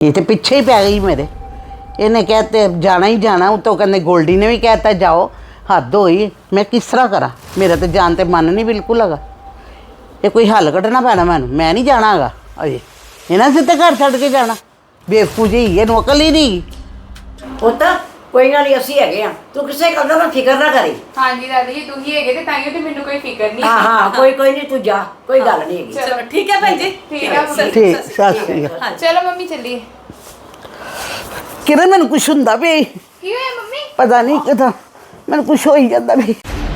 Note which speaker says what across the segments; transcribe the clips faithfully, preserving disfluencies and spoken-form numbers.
Speaker 1: ये तो पीछे ही पै गई मेरे। इन्हें कहते जाना ही जाना, उतो कहते गोल्डी ने भी कहता जाओ। हद होई, मैं किस तरह करा? मेरा तो जान ते मन नहीं बिल्कुल हैगा। ये कोई हल कड्ढना पैना मैनू, मैं नहीं जाना हैगा अजे। इन्हां सिद्धे घर छड्ड के जाना बेवकूफ जी, ਇਹਨੂੰ ਅਕਲ ਹੀ ਨਹੀਂ।
Speaker 2: ਪੁੱਤ ਕੋਈ ਗੱਲ ਨਹੀਂ, ਅਸੀਂ ਹੈਗੇ ਆ, ਤੂੰ ਕਿਸੇ ਗੱਲ ਦਾ ਫਿਕਰ ਨਾ ਕਰੀ।
Speaker 3: ਹਾਂਜੀ ਦਾਦੀ ਜੀ ਤੁਸੀਂ ਹੈਗੇ ਤੇ ਤਾਈਓ ਤੇ ਮੈਨੂੰ ਕੋਈ ਫਿਕਰ ਨਹੀਂ।
Speaker 2: ਹਾਂ ਹਾਂ ਕੋਈ ਕੋਈ ਨਹੀਂ, ਤੂੰ ਜਾ, ਕੋਈ ਗੱਲ ਨਹੀਂ ਹੈਗੀ।
Speaker 3: ਚਲੋ
Speaker 4: ਠੀਕ ਹੈ ਭੈਣ ਜੀ।
Speaker 3: ਠੀਕ ਹੈ ਮੰਮੀ।
Speaker 1: ਠੀਕ ਸਤਿ ਸ਼੍ਰੀ ਅਕਾਲ।
Speaker 3: ਚਲੋ ਮੰਮੀ ਚੱਲੀਏ।
Speaker 1: ਕਿਰਨ ਮੈਨੂੰ ਕੁਛ ਹੁੰਦਾ ਵੀ
Speaker 3: ਕੀ ਹੋਇਆ ਮੰਮੀ?
Speaker 1: ਪਤਾ ਨਹੀਂ ਕਿਦਾਂ ਮੈਨੂੰ ਕੁਛ ਹੋਈ ਜਾਂਦਾ ਵੀ।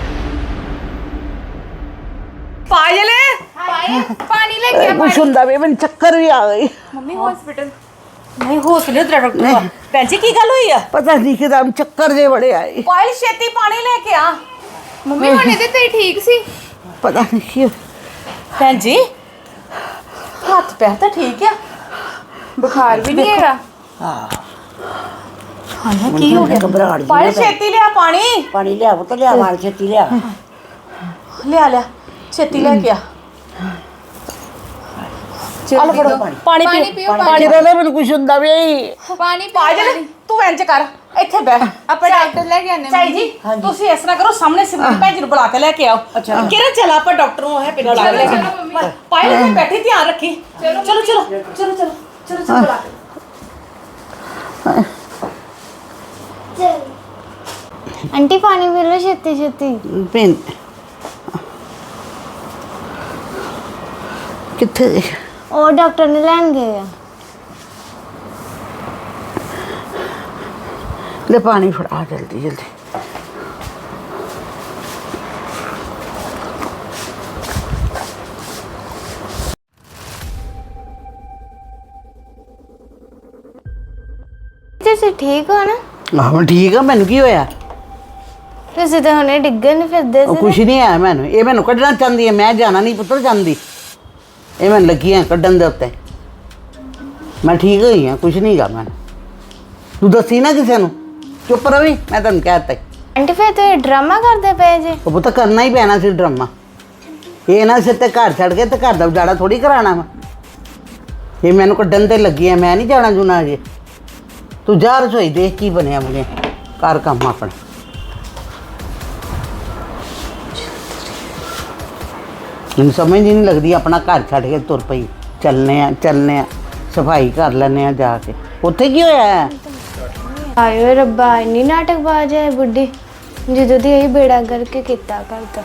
Speaker 4: ਪਾਇਲ
Speaker 3: ਹਾਏ ਪਾਣੀ ਲੈ ਕੇ ਆ।
Speaker 1: ਕੁਛ ਹੁੰਦਾ ਵੀ, ਮੈਨੂੰ ਚੱਕਰ ਵੀ ਆ ਗਈ।
Speaker 3: ਮੰਮੀ ਹਸਪੀਟਲ
Speaker 4: ਨਹੀਂ ਹੌਸਲੇ ਤੇਰਾ ਡਾਕਟਰ। ਭੈਣ ਜੀ ਕੀ ਗੱਲ ਹੋਈ ਆ?
Speaker 1: ਪਤਾ ਨਹੀਂ ਕਿਦਾਂ ਚੱਕਰ ਜੇ ਬੜੇ ਆਏ।
Speaker 4: ਪਾਇਲ ਛੇਤੀ ਪਾਣੀ ਲੈ ਕੇ ਆ।
Speaker 3: ਮੰਮੀ ਹੁਣ ਇਹਦੇ ਤੇ ਠੀਕ ਸੀ।
Speaker 1: ਪਤਾ ਨਹੀਂ ਕੀ
Speaker 4: ਭੈਣ ਜੀ ਹੱਥ ਪੈਰ ਤਾਂ ਠੀਕ ਆ,
Speaker 3: ਬੁਖਾਰ ਵੀ ਨਹੀਂ ਹੈਗਾ।
Speaker 2: ਹਾਂ
Speaker 4: ਹਾਂ ਕੀ ਹੋ ਗਿਆ?
Speaker 2: ਘਬਰਾਹਟ ਜਿਹੀ
Speaker 4: ਪਾਇਲ
Speaker 2: ਨਾ ਪੈ।
Speaker 4: ਛੇਤੀ ਲਿਆ ਪਾਣੀ।
Speaker 2: ਪਾਣੀ ਲਿਆ ਪੁੱਤ, ਲਿਆ ਵਾਲ ਛੇਤੀ ਲਿਆ।
Speaker 4: ਲਿਆ ਲਿਆ ਛੇਤੀ ਲੈ ਕੇ ਆ।
Speaker 3: ਚਲੋ
Speaker 4: ਫੜੋ
Speaker 3: ਪਾਣੀ
Speaker 4: ਪਾਣੀ
Speaker 3: ਪਾਣੀ
Speaker 4: ਪੀਓ।
Speaker 3: ਪੀਓ ਪਾਣੀ।
Speaker 1: ਕਿਰਨ ਮੈਨੂੰ ਕੁਛ ਹੁੰਦਾ ਵੀ।
Speaker 3: ਪਾਣੀ
Speaker 4: ਪਾਇਲ
Speaker 3: ਪੀਓ।
Speaker 4: ਤੂੰ ਇੰਜ ਕਰ, ਇੱਥੇ ਬਹਿ।
Speaker 3: ਆਪਾਂ ਡਾਕਟਰ ਲੈ ਕੇ ਆਨੇ
Speaker 4: ਚਾਈ ਜੀ ਤੁਸੀਂ ਇਸ ਤਰ੍ਹਾਂ ਕਰੋ, ਸਾਹਮਣੇ ਸਿਮਰਨ ਭੈਣ ਜੀ ਨੂੰ ਬੁਲਾ ਕੇ ਲੈ ਕੇ ਆਓ।
Speaker 2: ਅੱਛਾ।
Speaker 4: ਕਿਰਨ ਚੱਲ ਆਪਾਂ ਡਾਕਟਰ ਨੂੰ ਹੈ ਪਿੰਡ ਲਾ ਲੈ ਕੇ।
Speaker 3: ਚਲੋ ਮੰਮੀ।
Speaker 4: ਪਾਇਲ ਇੱਥੇ ਬੈਠੀ, ਧਿਆਨ ਰੱਖੀ। ਚਲੋ ਚਲੋ ਚਲੋ ਚਲੋ ਚਲੋ ਚਲੋ ਚਲੋ ਬੁਲਾ ਕੇ।
Speaker 5: आंटी पानी पी लो छेती छेती।
Speaker 1: ਭੈਣ ਕਿੱਥੇ ਗਈ?
Speaker 5: और डॉक्टर ने लैन गए आ।
Speaker 1: ਲੈ ਪਾਣੀ ਫੜਾ ਜਲਦੀ ਜਲਦੀ।
Speaker 5: तुसी ठीक हो ना?
Speaker 1: ਆਹ ਮੈਂ ਠੀਕ ਆ, ਮੈਨੂੰ ਕੀ ਹੋਇਆ?
Speaker 5: तुसी तो हुणे डिग्गे नहीं फिरदे
Speaker 1: ਉਹ
Speaker 5: सी।
Speaker 1: ਕੁਛ ਨਹੀਂ ਆਇਆ ਮੈਨੂੰ। ਇਹ ਮੈਨੂੰ ਕੱਢਣਾ ਚਾਹੁੰਦੀ ਹੈ, ਮੈਂ ਜਾਣਾ ਨਹੀਂ ਪੁੱਤਰ ਚਾਹੁੰਦੀ। ਇਹ ਮੈਨੂੰ ਲੱਗੀ ਹੈ ਕੱਢਣ ਦੇ ਉੱਤੇ। ਮੈਂ ਠੀਕ ਹੋਈ ਹਾਂ, ਕੁਛ ਨਹੀਂ ਗਾ ਮੈਨੂੰ। ਤੂੰ ਦੱਸੀ ਨਾ ਕਿਸੇ ਨੂੰ, ਚੁੱਪ ਰਵੀ, ਮੈਂ ਤੈਨੂੰ ਕਹਿ ਦਿੱਤਾ।
Speaker 5: आंटी फिर तो ये ड्रामा करदे पे जे।
Speaker 1: ਉਹ ਪੁੱਤ ਕਰਨਾ ਹੀ ਪੈਣਾ ਸੀ ਡਰਾਮਾ। ਇਹ ਨਾ ਸਿੱਧੇ ਘਰ ਛੱਡ ਕੇ ਤੇ ਘਰ ਦਾ ਉਜਾੜਾ ਥੋੜੀ ਕਰਾਣਾ ਵਾ। ਇਹ ਮੈਨੂੰ ਕੱਢਣ ਤੇ ਲੱਗੀ ਹੈ, ਮੈਂ ਨਹੀਂ ਜਾਣਾ ਜੁਣਾ ਅਜੇ। ਤੂੰ ਜਾ ਰਸੋਈ ਦੇਖ ਕੀ ਬਣਿਆ ਬਣਿਆ, ਕਰ ਕੰਮ ਆਪਣਾ। ਮੈਨੂੰ ਸਮਝ ਹੀ ਨਹੀਂ ਲੱਗਦੀ, ਆਪਣਾ ਘਰ ਛੱਡ ਕੇ ਤੁਰ ਪਈ। ਚੱਲਨੇ ਆ ਚੱਲਨੇ ਆ, ਸਫਾਈ ਕਰ ਲੈਂਦੇ ਆ ਜਾ ਕੇ। ਉੱਥੇ ਕੀ ਹੋਇਆ ਹੈ?
Speaker 5: आयो रब्बा इन्नी नाटकबाज है बुढ़ी, जो दी यही बेड़ा करके किता करता।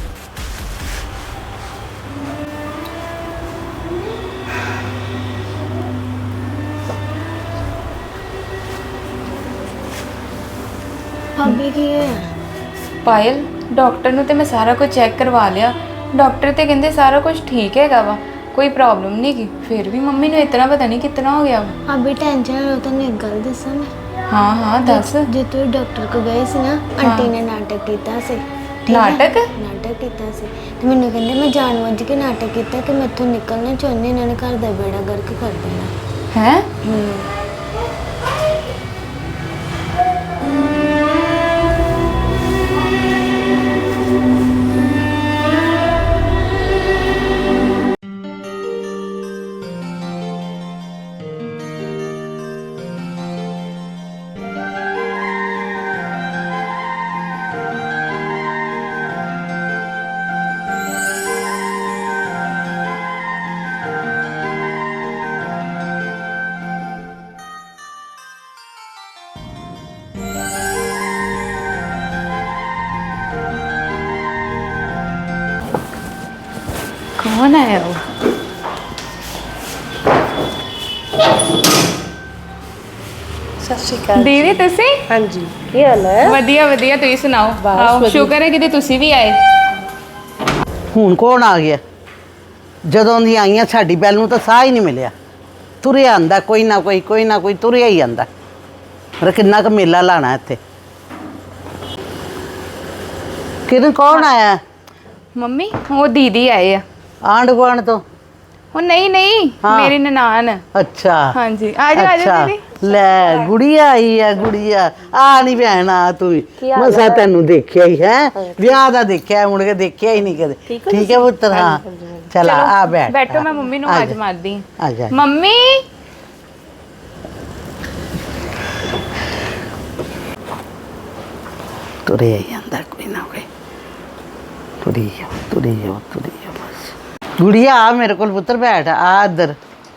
Speaker 5: भाभी की है?
Speaker 3: ਪਾਇਲ ਡਾਕਟਰ ਨੂੰ ਤੇ ਮੈਂ ਸਾਰਾ ਕੁਝ ਚੈੱਕ ਕਰਵਾ ਲਿਆ। ਡਾਕਟਰ ਤੇ ਕਹਿੰਦੇ ਸਾਰਾ ਕੁਝ ਠੀਕ ਹੈਗਾ ਵਾ, ਕੋਈ ਪ੍ਰੋਬਲਮ ਨਹੀਂ ਕੀ। ਫਿਰ ਵੀ ਮੰਮੀ ਨੂੰ ਇਤਨਾ ਪਤਾ ਨਹੀਂ ਕਿਤਨਾ ਹੋ ਗਿਆ ਵਾ।
Speaker 5: भाभी टेंशन लो तो एक गल दसा मैं।
Speaker 3: ਹਾਂ ਹਾਂ ਦੱਸ।
Speaker 5: जो तू डॉक्टर को गए सी ना, आंटी ने नाटक किया सी। ठीक है?
Speaker 3: ਨਾਟਕ?
Speaker 5: ਨਾਟਕ ਕੀਤਾ ਸੀ ਤੇ ਮੈਨੂੰ ਕਹਿੰਦੇ ਮੈਂ ਜਾਣਬੁੱਝ ਕੇ ਨਾਟਕ ਕੀਤਾ ਕਿ ਮੈਥੋਂ ਨਿਕਲਣਾ ਚਾਹੁੰਦੇ, ਇਹਨਾਂ ਨੇ ਘਰ ਦਾ ਬੇੜਾ ਗਰਕ ਕਰ ਦੇਣਾ।
Speaker 3: ਹੈ ਕੌਣ ਆਇਆ ਉਹ?
Speaker 4: ਸਤਿ ਸ਼੍ਰੀ ਅਕਾਲ।
Speaker 3: ਦੀਦੀ ਤੁਸੀਂ?
Speaker 4: ਹਾਂਜੀ ਕੀ ਹਾਲ ਹੈ?
Speaker 3: ਵਧੀਆ ਵਧੀਆ, ਤੁਸੀਂ ਸੁਣਾਓ? ਆਓ,
Speaker 4: ਵਧੀਆ।
Speaker 3: ਸ਼ੁਕਰ ਹੈ ਕਿ ਤੁਸੀਂ ਵੀ ਆਏ।
Speaker 1: ਹੁਣ ਕੌਣ ਆ ਗਿਆ? ਜਦੋਂ ਦੀ ਆਈਆਂ ਸਾਡੀ ਬੈਲ ਨੂੰ ਤਾਂ ਸਾਹ ਹੀ ਨਹੀਂ ਮਿਲਿਆ। ਤੁਰਿਆ ਆਂਦਾ ਕੋਈ ਨਾ ਕੋਈ, ਕੋਈ ਨਾ ਕੋਈ ਤੁਰਿਆ ਹੀ ਆਂਦਾ। ਪਰ ਕਿੰਨਾ ਕੁ ਮੇਲਾ ਲਾਣਾ ਇੱਥੇ। ਕਿਰਨ ਕੌਣ ਆਇਆ?
Speaker 3: ਮੰਮੀ ਉਹ ਦੀਦੀ ਆਏ ਆ।
Speaker 1: ਆਂਢ ਗੁਆਂਢ ਤੋਂ?
Speaker 3: ਉਹ ਨਹੀਂ ਨਹੀਂ
Speaker 1: ਹਾਂ।
Speaker 3: ਮੇਰੀ ਨਨਾਣ।
Speaker 1: ਅੱਛਾ
Speaker 3: ਹਾਂਜੀ ਆ ਜਾ ਆ ਜਾ ਦੀਦੀ।
Speaker 1: ਲੈ ਗੁੜੀਆ ਆਈ ਆ, ਗੁੜੀਆ ਆ ਨਹੀਂ ਭੈਣ ਆ ਤੂੰ ਵੀ। ਮਸਾ ਤੈਨੂੰ ਦੇਖਿਆ ਹੀ ਹੈ, ਵਿਆਹ ਦਾ ਦੇਖਿਆ, ਮੁੜ ਕੇ ਦੇਖਿਆ ਹੀ ਨਹੀਂ ਕਦੇ। ਠੀਕ ਹੈ ਪੁੱਤਰ? ਹਾਂ ਚਲ ਆ ਬੈਠ।
Speaker 3: ਬੈਠੋ, ਮੈਂ ਮੰਮੀ ਨੂੰ
Speaker 1: ਆ
Speaker 3: ਆਵਾਜ਼
Speaker 1: ਜਾ।
Speaker 3: ਮਾਰਦੀ
Speaker 1: ਆ ਜਾ।
Speaker 3: ਮੰਮੀ
Speaker 1: ਤੁਰਿਆ ਹੀ ਜਾਂਦਾ ਕੋਈ ਨਾ ਕੋਈ। ਤੁਰੀ ਜਾਓ ਤੁਰੀ ਜਾਓ ਤੁਰੀ ਜਾਓ ਬਸ। ਗੁੜੀਆ ਆ ਮੇਰੇ ਕੋਲ ਪੁੱਤਰ ਬੈਠ ਆ ਇੱਧਰ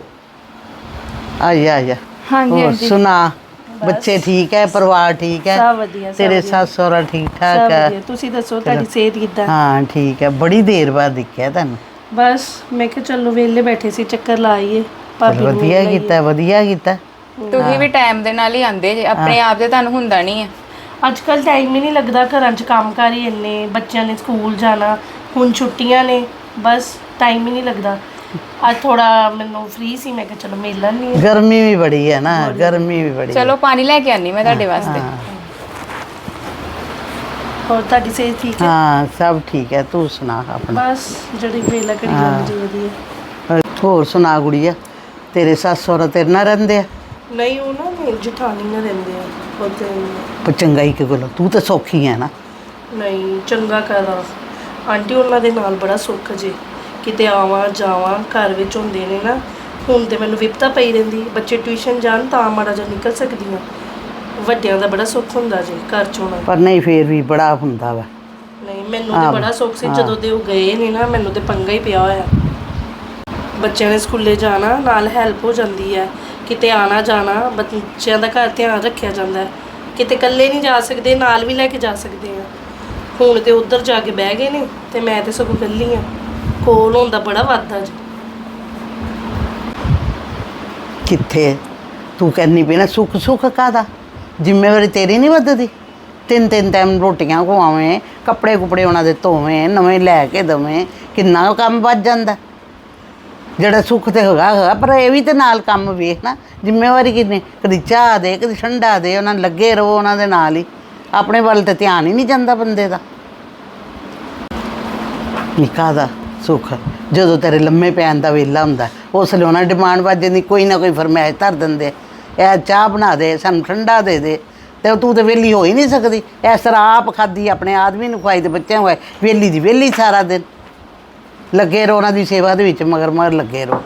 Speaker 1: ਆ ਜਾ ਆ ਜਾ।
Speaker 3: ਹਾਂਜੀ
Speaker 1: ਹੋਰ
Speaker 3: ਹਾਂਜੀ
Speaker 1: ਸੁਣਾ ਬੱਚੇ ਠੀਕ ਹੈ ਪਰਿਵਾਰ ਠੀਕ ਹੈ
Speaker 4: ਸਭ ਵਧੀਆ, ਸਭ
Speaker 1: ਤੇਰੇ
Speaker 4: ਵਧੀਆ।
Speaker 1: ਸੱਸ ਸਹੁਰਾ ਠੀਕ ਠਾਕ
Speaker 4: ਸਭ
Speaker 1: ਹੈ
Speaker 4: ਵਧੀਆ। ਤੁਸੀਂ ਦੱਸੋ ਤੁਹਾਡੀ ਸਿਹਤ ਕਿੱਦਾਂ?
Speaker 1: ਹਾਂ ਠੀਕ ਹੈ ਬੜੀ ਦੇਰ ਬਾਅਦ ਦਿਖਿਆ ਤੈਨੂੰ।
Speaker 4: ਬਸ ਮੈਂ ਕਿਹਾ ਚਲੋ ਵਿਹਲੇ ਬੈਠੇ ਸੀ, ਚੱਕਰ ਲਾ ਆਈਏ ਭਾਬੀ
Speaker 1: ਚਲ
Speaker 4: ਨੂੰ
Speaker 1: ਵਧੀਆ
Speaker 4: ਮਿਲ ਲਈਏ।
Speaker 1: ਕੀਤਾ ਵਧੀਆ ਕੀਤਾ।
Speaker 3: ਤੁਸੀਂ ਵੀ ਟਾਈਮ ਦੇ ਨਾਲ ਹੀ ਆਂਦੇ ਜੇ, ਆਪਣੇ ਆਪ ਤੇ ਤੁਹਾਨੂੰ ਹੁੰਦਾ ਨਹੀਂ ਹੈ।
Speaker 4: ਅੱਜ ਕੱਲ ਟਾਈਮ ਹੀ ਨਹੀਂ ਲੱਗਦਾ, ਘਰਾਂ 'ਚ ਕੰਮਕਾਰ ਹੀ ਇੰਨੇ, ਬੱਚਿਆਂ ਨੇ ਸਕੂਲ ਜਾਣਾ, ਹੁਣ ਛੁੱਟੀਆਂ ਨੇ, ਬਸ ਟਾਈਮ ਹੀ ਨਹੀਂ ਲੱਗਦਾ। ਅੱਜ ਥੋੜਾ ਮੈਨੂੰ ਫ੍ਰੀ ਸੀ, ਮੈਂ ਕਿਹਾ ਚਲੋ ਮਿਲ ਲੈਂਦੀ ਹਾਂ।
Speaker 1: ਗਰਮੀ ਵੀ ਬੜੀ ਹੈ ਨਾ ਗਰਮੀ ਵੀ ਬੜੀ
Speaker 3: ਚਲੋ ਪਾਣੀ ਲੈ ਕੇ ਆਨੀ ਮੈਂ ਤੁਹਾਡੇ ਵਾਸਤੇ।
Speaker 4: ਹੋਰ ਤੁਹਾਡੀ ਸਿਹਤ ਠੀਕ ਹੈ?
Speaker 1: ਹਾਂ ਸਭ ਠੀਕ ਹੈ ਤੂੰ ਸੁਣਾ ਆਪਣਾ।
Speaker 4: ਬਸ ਜਿਹੜੀ ਵੇਲਾ ਘੜੀ ਲੰਘ ਜੀ ਵਧੀਆ।
Speaker 1: ਹੋਰ ਸੁਣਾ ਗੁੜੀਆ ਤੇਰੇ ਸੱਸ ਸਹੁਰਾ ਤੇਰੇ ਨਾਲ ਰਹਿੰਦੇ ਆ?
Speaker 4: ਨਹੀਂ ਉਹ ਨਾ ਮੇਰੀ ਜਠਾਣੀ ਨਾਲ ਰਹਿੰਦੇ ਆ ਉਹਦੇ।
Speaker 1: ਪਰ ਚੰਗਾਈ ਕਿ ਕੋਲ ਤੂੰ ਤਾਂ ਸੌਖੀ ਹੈ ਨਾ।
Speaker 4: ਨਹੀਂ ਚੰਗਾ ਕਰਾਂ ਆਂਟੀ, ਉਹਨਾਂ ਦੇ ਨਾਲ ਬੜਾ ਸੁੱਖ ਜੇ, ਕਿਤੇ ਆਵਾਂ ਜਾਵਾਂ ਘਰ ਵਿੱਚ ਹੁੰਦੇ ਨੇ ਨਾ। ਹੁਣ ਤੇ ਮੈਨੂੰ ਵਿਪਤਾ ਪਈ ਰਹਿੰਦੀ, ਬੱਚੇ ਟਿਊਸ਼ਨ ਜਾਣ ਤਾਂ ਮਾੜਾ ਜਿਹਾ ਨਿਕਲ ਸਕਦੀ ਹਾਂ। ਵੱਡਿਆਂ ਦਾ ਬੜਾ ਸੁੱਖ ਹੁੰਦਾ ਜੇ ਘਰ 'ਚ ਹੋਣਾ।
Speaker 1: ਪਰ ਨਹੀਂ ਫੇਰ ਵੀ ਬੜਾ ਹੁੰਦਾ ਵਾ।
Speaker 4: ਨਹੀਂ ਮੈਨੂੰ ਤੇ ਬੜਾ ਸੁੱਖ ਸੀ ਜਦੋਂ ਦੇ ਉਹ ਗਏ ਨੇ ਨਾ, ਮੈਨੂੰ ਤੇ ਪੰਗਾ ਹੀ ਪਿਆ ਹੋਇਆ। ਬੱਚਿਆਂ ਨੇ ਸਕੂਲੇ ਜਾਣਾ, ਨਾਲ ਹੈਲਪ ਹੋ ਜਾਂਦੀ ਹੈ, ਕਿਤੇ ਆਣਾ ਜਾਣਾ, ਬੱਚਿਆਂ ਦਾ ਘਰ ਧਿਆਨ ਰੱਖਿਆ ਜਾਂਦਾ ਹੈ। ਕਿਤੇ ਇਕੱਲੇ ਨਹੀਂ ਜਾ ਸਕਦੇ, ਨਾਲ ਵੀ ਲੈ ਕੇ ਜਾ ਸਕਦੇ ਆ। ਹੁਣ ਤੇ ਉੱਧਰ ਜਾ ਕੇ ਬਹਿ ਗਏ ਨੇ ਤੇ ਮੈਂ ਤੇ ਸਗੋਂ ਇਕੱਲੀ ਆ। ਕੋਲ ਹੁੰਦਾ ਬੜਾ ਵਾਧਾ ਜੀ।
Speaker 1: ਕਿੱਥੇ ਤੂੰ ਕਹਿੰਦੀ ਪਈ ਨਾ ਸੁੱਖ ਸੁੱਖ ਕਾਹਦਾ, ਜ਼ਿੰਮੇਵਾਰੀ ਤੇਰੀ ਨਹੀਂ ਵੱਧਦੀ। ਤਿੰਨ ਤਿੰਨ ਟਾਈਮ ਰੋਟੀਆਂ ਖਵਾਵੇਂ, ਕੱਪੜੇ ਕੁਪੜੇ ਉਹਨਾਂ ਦੇ ਧੋਵੇਂ, ਨਵੇਂ ਲੈ ਕੇ ਦਵੇਂ, ਕਿੰਨਾ ਕੰਮ ਵੱਧ ਜਾਂਦਾ। ਜਿਹੜਾ ਸੁੱਖ ਤੇ ਹੈਗਾ ਹੈਗਾ ਪਰ ਇਹ ਵੀ ਤੇ ਨਾਲ ਕੰਮ ਵੇਖ ਨਾ, ਜ਼ਿੰਮੇਵਾਰੀ ਕਿੰਨੀ, ਕਦੀ ਚਾਹ ਦੇ ਕਦੀ ਠੰਡਾ ਦੇ, ਉਹਨਾਂ ਨੂੰ ਲੱਗੇ ਰਹੋ ਉਹਨਾਂ ਦੇ ਨਾਲ ਹੀ, ਆਪਣੇ ਵੱਲ ਤੇ ਧਿਆਨ ਹੀ ਨਹੀਂ ਜਾਂਦਾ ਬੰਦੇ ਦਾ। ਨਿੱਕਾ ਦਾ ਸੁੱਖ ਜਦੋਂ ਤੇਰੇ ਲੰਮੇ ਪੈਣ ਦਾ ਵੇਲਾ ਹੁੰਦਾ ਉਸ ਵੇਲੇ ਉਹਨਾਂ ਡਿਮਾਂਡ ਵੱਜ ਜਾਂਦੀ, ਕੋਈ ਨਾ ਕੋਈ ਫਰਮਾਇਸ਼ ਧਰ ਦਿੰਦੇ, ਇਹ ਚਾਹ ਬਣਾ ਦੇ, ਸਾਨੂੰ ਠੰਡਾ ਦੇ ਦੇ, ਤੇ ਤੂੰ ਤੇ ਵਿਹਲੀ ਹੋ ਹੀ ਨਹੀਂ ਸਕਦੀ। ਇਸ ਤਰ੍ਹਾਂ ਆਪ ਖਾਦੀ ਆਪਣੇ ਆਦਮੀ ਨੂੰ ਖਵਾਈ ਤੇ ਬੱਚਿਆਂ ਨੂੰ ਖਵਾਈ, ਵਿਹਲੀ ਦੀ ਵਿਹਲੀ ਸਾਰਾ ਦਿਨ ਲੱਗੇ ਰਹੋ ਉਹਨਾਂ ਦੀ ਸੇਵਾ ਦੇ ਵਿੱਚ, ਮਗਰ ਮਗਰ ਲੱਗੇ ਰਹੋ।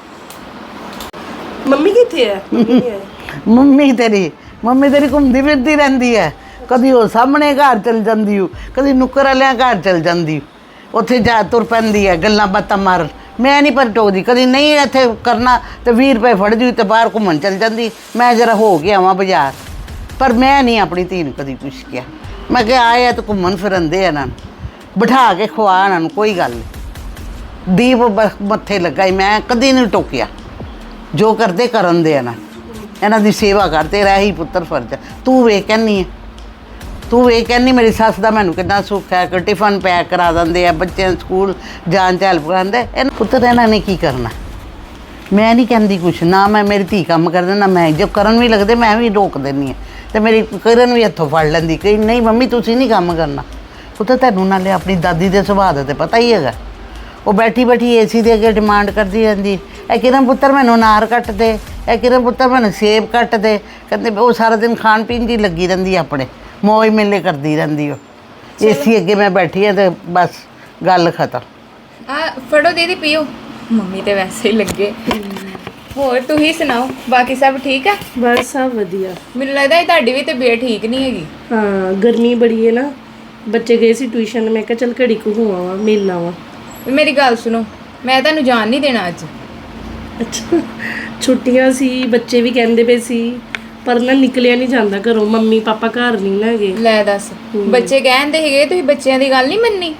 Speaker 4: ਮੰਮੀ ਕਿੱਥੇ ਹੈ? ਮੰਮੀ ਨਹੀਂ ਆਏ।
Speaker 1: ਮੰਮੀ ਤੇਰੀ ਮੰਮੀ ਤੇਰੀ ਘੁੰਮਦੀ ਫਿਰਦੀ ਰਹਿੰਦੀ ਹੈ, ਕਦੀ ਉਹ ਸਾਹਮਣੇ ਘਰ ਚਲ ਜਾਂਦੀ ਹੋ, ਕਦੀ ਨੁੱਕਰ ਵਾਲਿਆਂ ਘਰ ਚਲ ਜਾਂਦੀ, ਉੱਥੇ ਜਾ ਤੁਰ ਪੈਂਦੀ ਹੈ ਗੱਲਾਂ ਬਾਤਾਂ ਮਾਰਨ। ਮੈਂ ਨਹੀਂ ਪਰ ਟੋਕਦੀ, ਕਦੀ ਨਹੀਂ ਇੱਥੇ ਕਰਨਾ ਤੇ ਵੀਹ ਰੁਪਏ ਫੜ ਜੂ ਤੇ ਬਾਹਰ ਘੁੰਮਣ ਚਲ ਜਾਂਦੀ, ਮੈਂ ਜਰਾ ਹੋ ਕੇ ਆਵਾਂ ਬਾਜ਼ਾਰ। ਪਰ ਮੈਂ ਨਹੀਂ ਆਪਣੀ ਧੀ ਨੂੰ ਕਦੀ ਕੁਛ ਕਿਹਾ। ਮੈਂ ਕਿਹਾ ਆਏ ਆ ਤਾਂ ਘੁੰਮਣ ਫਿਰਨ ਦੇ ਇਹਨਾਂ ਨੂੰ, ਬਿਠਾ ਕੇ ਖਵਾ ਇਹਨਾਂ ਨੂੰ, ਕੋਈ ਗੱਲ ਨਹੀਂ। ਦੀਪ ਬ- ਮੱਥੇ ਲੱਗਾ ਹੀ, ਮੈਂ ਕਦੀ ਨਹੀਂ ਟੋਕਿਆ। ਜੋ ਕਰਦੇ ਕਰਨ ਦੇ ਇਹਨਾਂ ਇਹਨਾਂ ਦੀ ਸੇਵਾ ਕਰ, ਤੇਰਾ ਹੀ ਪੁੱਤਰ ਫਰਜ਼ ਹੈ। ਤੂੰ ਵੇਖ ਕਹਿੰਦੀ ਹੈ, ਤੂੰ ਵੇਖ ਕਹਿੰਦੀ ਮੇਰੀ ਸੱਸ ਦਾ ਮੈਨੂੰ ਕਿੰਨਾ ਸੁੱਖ ਹੈ, ਕਿ ਟਿਫਨ ਪੈਕ ਕਰਾ ਦਿੰਦੇ ਆ, ਬੱਚਿਆਂ ਨੂੰ ਸਕੂਲ ਜਾਣ 'ਚ ਹੈਲਪ ਕਰਾਉਂਦੇ। ਇਹਨਾਂ ਪੁੱਤਰ ਇਹਨਾਂ ਨੇ ਕੀ ਕਰਨਾ। ਮੈਂ ਨਹੀਂ ਕਹਿੰਦੀ ਕੁਛ, ਨਾ ਮੈਂ ਮੇਰੀ ਧੀ ਕੰਮ ਕਰਦੇ ਨਾ ਮੈਂ, ਜੋ ਕਰਨ ਵੀ ਲੱਗਦੇ ਮੈਂ ਵੀ ਰੋਕ ਦਿੰਦੀ ਹਾਂ। ਅਤੇ ਮੇਰੀ ਕਰਨ ਵੀ ਹੱਥੋਂ ਫੜ ਲੈਂਦੀ, ਕਹੀ ਨਹੀਂ ਮੰਮੀ ਤੁਸੀਂ ਨਹੀਂ ਕੰਮ ਕਰਨਾ। ਪੁੱਤਰ ਤੈਨੂੰ ਨਾਲੇ ਆਪਣੀ ਦਾਦੀ ਦੇ ਸੁਭਾਅ ਦਾ ਤਾਂ ਪਤਾ ਹੀ ਹੈਗਾ, ਉਹ ਬੈਠੀ ਬੈਠੀ ਏ ਸੀ ਦੇ ਅੱਗੇ ਡਿਮਾਂਡ ਕਰਦੀ ਰਹਿੰਦੀ, ਇਹ ਕਿਰਨ ਪੁੱਤਰ ਮੈਨੂੰ ਅਨਾਰ ਕੱਟ ਦੇ, ਇਹ ਕਿਰਨ ਪੁੱਤਰ ਮੈਨੂੰ ਸੇਬ ਕੱਟ ਦੇ। ਕਹਿੰਦੇ ਉਹ ਸਾਰਾ ਦਿਨ ਖਾਣ ਪੀਣ ਦੀ ਲੱਗੀ ਰਹਿੰਦੀ, ਆਪਣੇ ਮੌਜ ਮੇਲੇ ਕਰਦੀ ਰਹਿੰਦੀ। ਉਹ ਏ ਸੀ ਅੱਗੇ ਮੈਂ ਬੈਠੀ ਹਾਂ ਤੇ ਬਸ ਗੱਲ ਖਤਮ।
Speaker 3: ਆ ਫੜੋ ਦੀਦੀ ਪੀਓ, ਮੰਮੀ ਤੇ ਵੈਸੇ ਹੀ ਲੱਗੇ। ਹੋਰ ਤੁਸੀਂ ਸੁਣਾਓ, ਬਾਕੀ ਸਭ ਠੀਕ ਹੈ?
Speaker 4: ਬਸ ਸਭ ਵਧੀਆ।
Speaker 3: ਮੈਨੂੰ ਲੱਗਦਾ ਇਹ ਤੁਹਾਡੀ ਵੀ ਤਬੀਅਤ ਠੀਕ ਨਹੀਂ ਹੈਗੀ।
Speaker 4: ਹਾਂ ਗਰਮੀ ਬੜੀ ਹੈ ਨਾ, ਬੱਚੇ ਗਏ ਸੀ ਟਿਊਸ਼ਨ, ਮੈਂ ਕਿਹਾ ਚੱਲ ਘੜੀ ਕੁ ਹੋ ਆਵਾਂ, ਮਿਲ ਆਵਾਂ।
Speaker 3: ਮੇਰੀ ਗੱਲ ਸੁਣੋ, ਮੈਂ ਤੁਹਾਨੂੰ ਜਾਣ ਨਹੀਂ ਦੇਣਾ ਅੱਜ।
Speaker 4: ਅੱਛਾ ਛੁੱਟੀਆਂ ਸੀ, ਬੱਚੇ ਵੀ ਕਹਿੰਦੇ ਪਏ ਸੀ, ਪਰ ਨਾ ਨਿਕਲਿਆ ਨਹੀਂ ਜਾਂਦਾ ਘਰੋਂ, ਮੰਮੀ ਪਾਪਾ ਘਰ ਨਹੀਂ ਨਾ ਹੈਗੇ।
Speaker 3: ਲੈ ਦੱਸ, ਬੱਚੇ ਕਹਿੰਦੇ ਹੈਗੇ ਤੁਸੀਂ ਬੱਚਿਆਂ ਦੀ ਗੱਲ ਨਹੀਂ ਮੰਨੀ।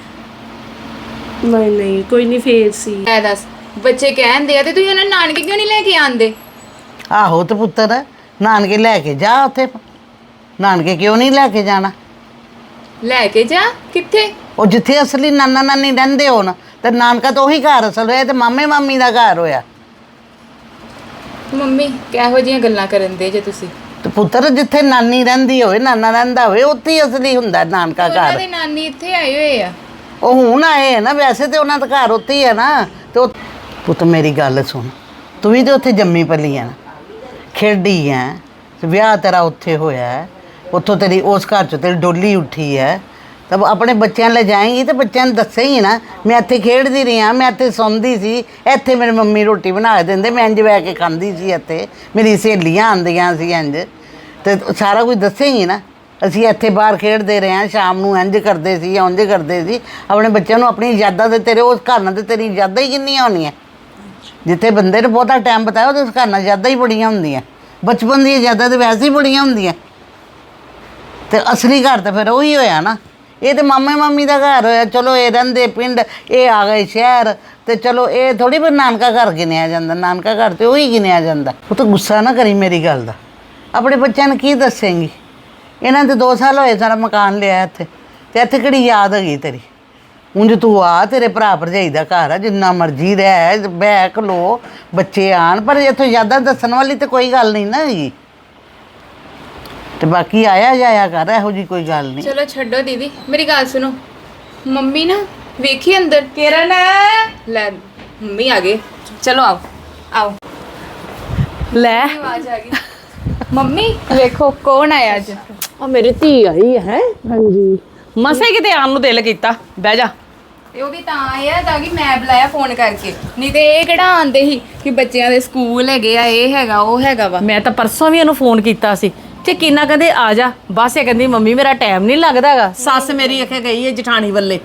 Speaker 4: ਨਹੀਂ ਨਹੀਂ ਕੋਈ ਨਹੀਂ, ਫੇਰ ਸੀ।
Speaker 3: ਲੈ ਦੱਸ, ਬੱਚੇ ਕਹਿੰਦੇ ਆ ਤੇ ਤੁਸੀਂ ਉਹਨਾਂ ਨੂੰ ਨਾਨਕੇ ਕਿਉਂ ਨਹੀਂ ਲੈ ਕੇ ਆਂਦੇ?
Speaker 1: ਆਹੋ ਤੇ ਪੁੱਤਰ ਨਾਨਕੇ ਲੈ ਕੇ ਜਾ, ਉੱਥੇ ਨਾਨਕੇ ਕਿਉਂ ਨਹੀਂ ਲੈ ਕੇ ਜਾਣਾ?
Speaker 3: ਲੈ ਕੇ ਜਾ ਕਿੱਥੇ?
Speaker 1: ਉਹ ਜਿੱਥੇ ਅਸਲੀ ਨਾਨਾ ਨਾਨੀ ਰਹਿੰਦੇ ਹੋਣ, ਤੇ ਨਾਨਕਾ ਤਾਂ ਉਹੀ ਘਰ ਅਸਲ ਹੋਇਆ, ਤੇ ਮਾਮੇ ਮਾਮੀ ਦਾ ਘਰ ਹੋਇਆ।
Speaker 3: ਮੰਮੀ ਕਿਹੋ ਜਿਹੀਆਂ ਗੱਲਾਂ ਕਰਨ ਦੇ ਜੇ ਤੁਸੀਂ?
Speaker 1: ਤੇ ਪੁੱਤਰ ਜਿੱਥੇ ਨਾਨੀ ਰਹਿੰਦੀ ਹੋਵੇ, ਨਾਨਾ ਰਹਿੰਦਾ ਹੋਵੇ, ਉੱਥੇ ਹੀ ਅਸਲੀ ਹੁੰਦਾ ਨਾਨਕਾ
Speaker 3: ਉਹਨਾਂ
Speaker 1: ਘਰ।
Speaker 3: ਦੇ ਨਾਨੀ ਇੱਥੇ ਆਏ ਹੋਏ ਆ।
Speaker 1: ਉਹ ਹੁਣ ਆਏ ਹੈ ਨਾ, ਵੈਸੇ ਤੇ ਉਹਨਾਂ ਦਾ ਘਰ ਉੱਥੇ ਹੀ ਹੈ ਨਾ। ਤੇ ਉਹ ਪੁੱਤ ਮੇਰੀ ਗੱਲ ਸੁਣ, ਤੂੰ ਵੀ ਤੇ ਉੱਥੇ ਜੰਮੀ ਪਲੀ ਹੈ ਨਾ, ਖੇਡੀ ਹੈ, ਵਿਆਹ ਤੇਰਾ ਉੱਥੇ ਹੋਇਆ ਹੈ, ਉੱਥੋਂ ਤੇਰੀ ਉਸ ਘਰ 'ਚ ਤੇਰੀ ਡੋਲੀ ਉੱਠੀ ਹੈ, ਤਾਂ ਆਪਣੇ ਬੱਚਿਆਂ ਲੈ ਜਾਏਂਗੀ ਤੇ ਬੱਚਿਆਂ ਨੂੰ ਦੱਸੇਂਗੀ ਨਾ, ਮੈਂ ਇੱਥੇ ਖੇਡਦੀ ਰਹੀ ਹਾਂ, ਮੈਂ ਇੱਥੇ ਸੌਂਦੀ ਸੀ, ਇੱਥੇ ਮੇਰੀ ਮੰਮੀ ਰੋਟੀ ਬਣਾ ਕੇ ਦਿੰਦੇ, ਮੈਂ ਇੰਝ ਬਹਿ ਕੇ ਖਾਂਦੀ ਸੀ, ਇੱਥੇ ਮੇਰੀ ਸਹੇਲੀਆਂ ਆਉਂਦੀਆਂ ਸੀ ਇੰਝ, ਤੇ ਸਾਰਾ ਕੁਝ ਦੱਸੇਂਗੀ ਨਾ। ਅਸੀਂ ਇੱਥੇ ਬਾਹਰ ਖੇਡਦੇ ਰਹੇ ਹਾਂ, ਸ਼ਾਮ ਨੂੰ ਇੰਝ ਕਰਦੇ ਸੀ ਜਾਂ ਉਂਝ ਕਰਦੇ ਸੀ। ਆਪਣੇ ਬੱਚਿਆਂ ਨੂੰ ਆਪਣੀ ਯਾਦਾਂ ਤੇ ਤੇਰੇ ਉਸ ਘਰ ਨਾਲ ਤੇ ਤੇਰੀ ਯਾਦਾਂ ਹੀ ਕਿੰਨੀਆਂ ਹੋਣੀਆਂ। ਜਿੱਥੇ ਬੰਦੇ ਨੇ ਬਹੁਤਾ ਟਾਈਮ ਬਤਾਇਆ ਉਹਦੇ ਘਰ ਨਾਲ ਯਾਦਾਂ ਹੀ ਬੜੀਆਂ ਹੁੰਦੀਆਂ। ਬਚਪਨ ਦੀਆਂ ਯਾਦਾਂ ਤੇ ਵੈਸੇ ਹੀ ਬੜੀਆਂ ਹੁੰਦੀਆਂ, ਤੇ ਅਸਲੀ ਘਰ ਤਾਂ ਫਿਰ ਉਹੀ ਹੋਇਆ ਨਾ। ਇਹ ਤੇ ਮਾਮੇ ਮਾਮੀ ਦਾ ਘਰ ਹੋਇਆ। ਚਲੋ ਇਹ ਰਹਿੰਦੇ ਪਿੰਡ, ਇਹ ਆ ਗਏ ਸ਼ਹਿਰ, ਤੇ ਚਲੋ ਇਹ ਥੋੜੀ ਵੀ ਨਾਨਕਾ ਘਰ ਗਿਣਿਆ ਜਾਂਦਾ। ਨਾਨਕਾ ਘਰ ਤੇ ਉਹੀ ਗਿਣਿਆ ਜਾਂਦਾ। ਉਹ ਤਾਂ ਗੁੱਸਾ ਨਾ ਕਰੀ ਮੇਰੀ ਗੱਲ ਦਾ। ਆਪਣੇ ਬੱਚਿਆਂ ਨੂੰ ਕੀ ਦੱਸੇਂਗੀ? ਇਹਨਾਂ ਦੇ ਦੋ ਸਾਲ ਹੋਏ ਸਾਰਾ ਮਕਾਨ ਲਿਆ ਇੱਥੇ, ਤੇ ਇੱਥੇ ਕਿਹੜੀ ਯਾਦ ਹੈਗੀ ਤੇਰੀ? ਉਂਝ ਤੂੰ ਆ, ਤੇਰੇ ਭਰਾ ਭਰਜਾਈ ਦਾ ਘਰ ਆ, ਜਿੰਨਾ ਮਰਜ਼ੀ ਰਹਿ, ਬਹਿ ਖਲੋ, ਬੱਚੇ ਆਣ, ਪਰ ਇੱਥੋਂ ਯਾਦਾਂ ਦੱਸਣ ਵਾਲੀ ਤੇ ਕੋਈ ਗੱਲ ਨਹੀਂ ਨਾ ਹੈਗੀ। ਤੇ ਬਾਕੀ ਆਇਆ ਜਾਇਆ ਕਰ, ਇਹੋ ਜੀ ਕੋਈ ਗੱਲ ਨਹੀਂ।
Speaker 3: ਚਲੋ ਛੱਡੋ ਦੀਦੀ, ਮੇਰੀ ਗੱਲ ਸੁਣੋ। ਮੰਮੀ ਨਾ ਵੇਖੀ ਅੰਦਰ। ਕਿਰਨ ਲੈ, ਮੰਮੀ ਆ ਗਏ। ਚਲੋ ਆਓ ਆਓ।
Speaker 6: ਲੈ
Speaker 3: ਆਵਾਜ਼ ਆ ਗਈ। ਮੰਮੀ ਵੇਖੋ ਕੌਣ ਆਇਆ ਅੱਜ।
Speaker 6: ਉਹ ਮੇਰੀ ਧੀ ਆਈ ਹੈ। ਹਾਂਜੀ, ਮਸੇ ਕਿਤੇ ਆਉਣ ਨੂੰ ਦਿਲ ਕੀਤਾ। ਬਹਿ ਜਾ।
Speaker 3: ਤੇ ਉਹ ਵੀ ਤਾਂ ਆਇਆ ਤਾਂ ਕਿ ਮੈਂ ਬੁਲਾਇਆ ਫੋਨ ਕਰਕੇ, ਨਹੀਂ ਤੇ ਇਹ ਕਿਹੜਾ ਆਂਦੇ ਸੀ ਕਿ ਬੱਚਿਆਂ ਦੇ ਸਕੂਲ ਹੈਗੇ ਆ, ਇਹ ਹੈਗਾ ਉਹ ਹੈਗਾ ਵਾ।
Speaker 6: ਮੈਂ ਤਾਂ ਪਰਸੋਂ ਵੀ ਉਹਨੂੰ ਫੋਨ ਕੀਤਾ ਸੀ ਤੇ ਕਿੰਨਾ ਕਹਿੰਦੇ ਆ ਜਾ, ਬਸ ਇਹ ਕਹਿੰਦੀ ਮੰਮੀ ਮੇਰਾ ਟਾਈਮ ਨਹੀਂ ਲੱਗਦਾ ਹੈਗਾ। ਸੱਸ ਮੇਰੀ ਅਖੇ ਗਈ ਹੈ ਜਠਾਣੀ ਵੱਲੇ।